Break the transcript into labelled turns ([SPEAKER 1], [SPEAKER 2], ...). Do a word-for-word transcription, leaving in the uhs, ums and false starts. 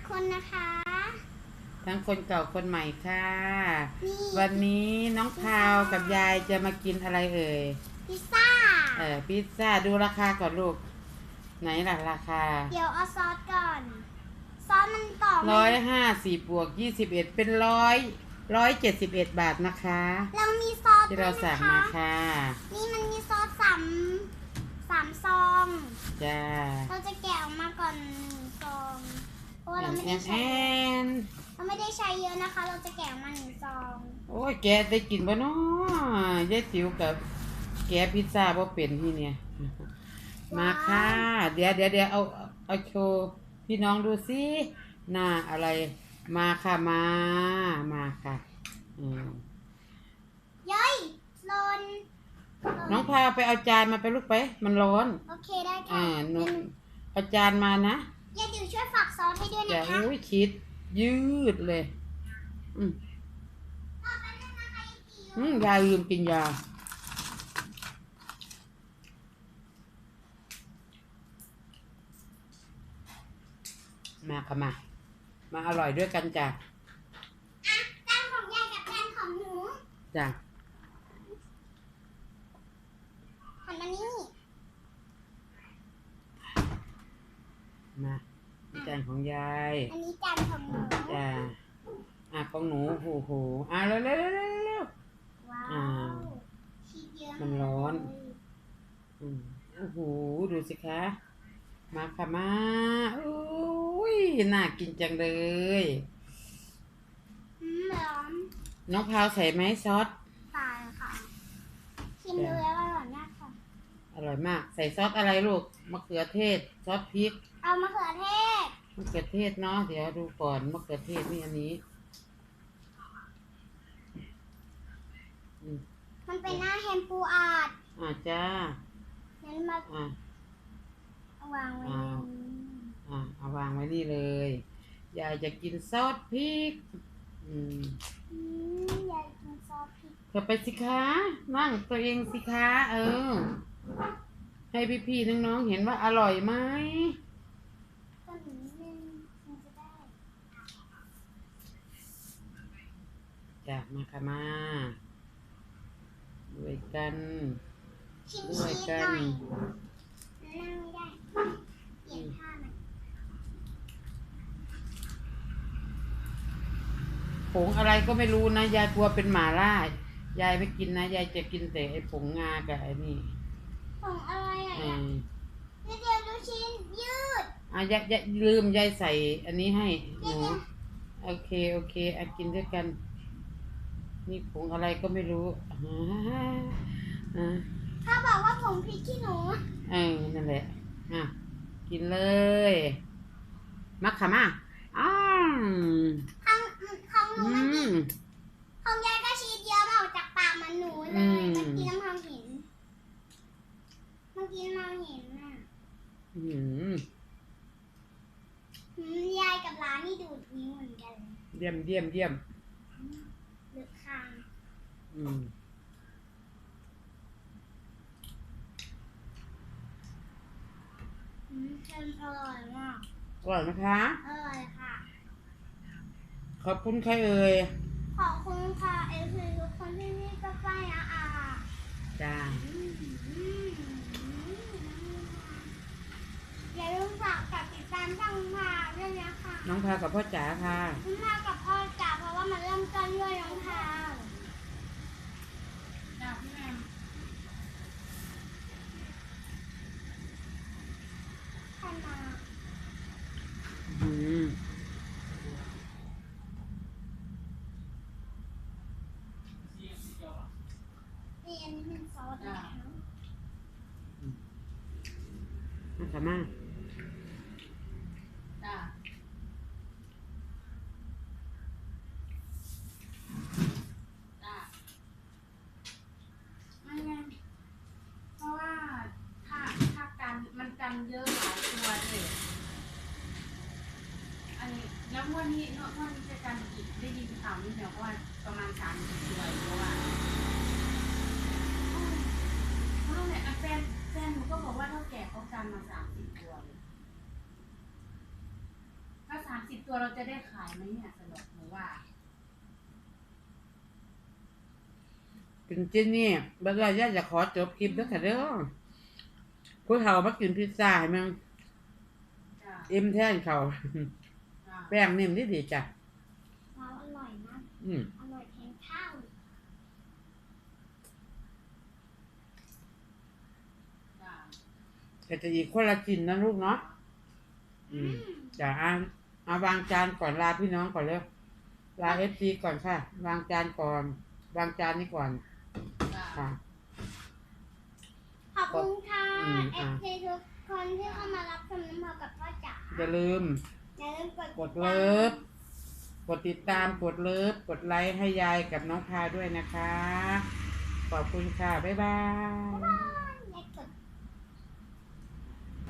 [SPEAKER 1] คนนะคะ
[SPEAKER 2] ทั้งคนเก่าคนใหม่ค่ะวันนี้น้องพาวกับยายจะมากินอะไรเอ่ย
[SPEAKER 1] พิซซ่า
[SPEAKER 2] เออพิซซ่าดูราคาก่อนลูกไหนล่ะราคา
[SPEAKER 1] เดี๋ยวเอาซอสก่อนซอสมันต่อ
[SPEAKER 2] ร้อยห้าสิบบวกยี่สิบเอ็ดเป็นร้อยร้อยเจ็ดสิบเอ็ดบาทนะคะ
[SPEAKER 1] เรามีซอส
[SPEAKER 2] ที่เราสั่งมาค่ะ
[SPEAKER 1] นี่มันมีซอสสามสามซอง
[SPEAKER 2] จ้า
[SPEAKER 1] เราจะแกะออกมาก่อนหนึ่งซองเพราะว่าเราไม่ได้ใช้เราไม่ได้ใช้เยอะนะคะเราจะแกะออกมาหนึ่งซอง
[SPEAKER 2] โอ้ยแกได้กินบ่เนาะยายติ๋วกับแกพิซซ่าบ่เป็นที่เนี่ยมาค่ะเดี๋ยวเดี๋ยวเดี๋ยวเอาเอาโชว์พี่น้องดูสิหน้าอะไรมาค่ะมามาค่ะอืม
[SPEAKER 1] ย้อยลน
[SPEAKER 2] น้องพาไปเอาจานมาไปลูกไปมันร้อน
[SPEAKER 1] โอเคได้ค่ะ
[SPEAKER 2] อ่าหนูเอาจานมานะ
[SPEAKER 1] ยายติ๋วช่วยฝากซอสให้ด้วยนะคะ
[SPEAKER 2] จะอุ้ยคิดยืดเลยอืมอืมยายลืมกินยามาค่ะมามาอร่อยด้วยกันจ้ะ
[SPEAKER 1] อ่ะจานของยายกับจานของหนู
[SPEAKER 2] จ้ะ
[SPEAKER 1] หันมานี่
[SPEAKER 2] มาจานของยาย
[SPEAKER 1] อันนี้จานของหนู
[SPEAKER 2] จ้ะอ่ะของหนูโอ้โหอ่ะเร็วเร็วเร็วเร็ว
[SPEAKER 1] ว้าวชีสเยอะ
[SPEAKER 2] มันร้อนอืมโอ้โหดูสิคะมาค่ะมาอุ้ยน่ากินจังเลย
[SPEAKER 1] อืมร้อน
[SPEAKER 2] น้องพาวใส่ไหมซอส
[SPEAKER 1] ใส่ค่ะชิมดูแล้วอร่อยมากค่ะ
[SPEAKER 2] อร่อยมากใส่ซอสอะไรลูกมะเขือเทศซอสพริก
[SPEAKER 1] เอามะเขือเทศ
[SPEAKER 2] มะเขือเทศเนาะเดี๋ยวดูก่อนมะเขือเทศนี่อันนี้
[SPEAKER 1] มันเป็นหน้าแฮมปูอาด
[SPEAKER 2] อ่าจ้า
[SPEAKER 1] งั้นมา
[SPEAKER 2] อ่
[SPEAKER 1] าวางไว้
[SPEAKER 2] อ่าเอาวางไว้นี่เลยยายจะกินซอสพริกอืม
[SPEAKER 1] ยายกินซอสพริก
[SPEAKER 2] เธอไปสิคะนั่งตัวเองสิคะเออให้พี่ๆน้องๆเห็นว่าอร่อยไหม
[SPEAKER 1] ก็หนึ่งนึงมันจะได้
[SPEAKER 2] จ้ะมาค่ะมาด้วยกัน
[SPEAKER 1] ด้วยกันนั่งไม่ได้เปลี่ยนท่ามัน
[SPEAKER 2] ผงอะไรก็ไม่รู้นะยายกลัวเป็นหมาล่ายายไม่กินนะยายจะกินแต่ไอ้ผงงากับไอ้นี่
[SPEAKER 1] ผงอะไรอ่ะเดี๋ยวดูชิ้นยืด
[SPEAKER 2] อ่ะยายยายลืมยายใส่อันนี้ให้หนูโอเคโอเคอ่ะกินด้วยกันนี่ผงอะไรก็ไม่รู้อ่า
[SPEAKER 1] ถ้าบอกว่าผงพริกขี้หนู
[SPEAKER 2] เออนั่นแหละอ่ะกินเลยมักขะมาอ้าว
[SPEAKER 1] ของของหนูมันกินของยายก็ชีสเยอะมาออกจากปากมันหนูเลยเมื่อกี้น้ำทองเห็นเมื่อกี้น้ำเห็นน่ะ
[SPEAKER 2] อืม
[SPEAKER 1] ยายกับร้านนี่ดูดนิ้วเหมือนกัน
[SPEAKER 2] เยี่ยมเยี่ยมเยี่ยม
[SPEAKER 1] เลือกคาง
[SPEAKER 2] อืม
[SPEAKER 1] เค็มอร่อยมาก
[SPEAKER 2] อร่อยไหมคะ
[SPEAKER 1] อร่อยค่ะ
[SPEAKER 2] ขอบคุณใครเอ่ย
[SPEAKER 1] ขอบคุณค่ะเอฟซีทุกคนที่นี่ก็ใกล้นะอา
[SPEAKER 2] จ้า
[SPEAKER 1] อย่าลืมฝากกดติดตามช่องพาด้วยนะคะ
[SPEAKER 2] น้องพากับพ่อจ๋าค่ะ
[SPEAKER 1] น้องพากับพ่อจ๋าเพราะว่ามันเริ่มต้นด้วยน้องพาจ้าพี่แม่ใครมา
[SPEAKER 2] อืม
[SPEAKER 1] นี่อันนี้เป็นซอสนะ
[SPEAKER 2] มาค่ะมา
[SPEAKER 3] จ้าจ้าไม่ไงเพราะว่าถ้าถ้ากันมันกันเยอะหลายตัวเลยอันนี้แล้วงวดนี้งวดนี้จะกันอีกได้ยินข่าวนี่เดี๋ยวว่าประมาณสามสิบตัวเพราะว่าเพราะเนี่ยแฟนแฟนหนูก็บอกว่าเท่าแก่เขากันมาสามสิบตัวเลยถ้าสามสิบตัวเราจะได้ขายไหมเนี่ยสนุกหนูว่า
[SPEAKER 2] กินเจนนี่บัดว่าย่าจะขอจบคลิปแล้วค่ะเด้อผู้เฒ่ามากินพิซซ่าให้มึง
[SPEAKER 3] จ้า
[SPEAKER 2] อิ่มแท่นเขา
[SPEAKER 3] จ้า
[SPEAKER 2] แป้งนิ่มดีดีจ้ะ
[SPEAKER 1] ว้าวอร่อยมาก
[SPEAKER 2] อืม
[SPEAKER 1] อร่อยแทนข้าว
[SPEAKER 3] จ้า
[SPEAKER 2] แต่จะอีกคนละกินนะลูกเนาะอืมจ้ะอ่ะเอาวางจานก่อนลาพี่น้องก่อนเร็วลาเอฟซีก่อนค่ะ วางจานก่อน วางจานนี้ก่อน
[SPEAKER 3] จ้า
[SPEAKER 2] ค่ะ
[SPEAKER 1] ขอบคุณค่ะ
[SPEAKER 2] อืม
[SPEAKER 1] เอ
[SPEAKER 2] อ่ะ
[SPEAKER 1] ฟซีทุกคนที่เข้ามารับชมน้ำพอกับพ่อจ๋า
[SPEAKER 2] อย่าลืม
[SPEAKER 1] อย่าลืมกด
[SPEAKER 2] กดเลิฟ กดติดตาม กดเลิฟ กดไลค์ให้ยายกับน้องพาด้วยนะคะ ขอบคุณค่ะ บ๊ายบาย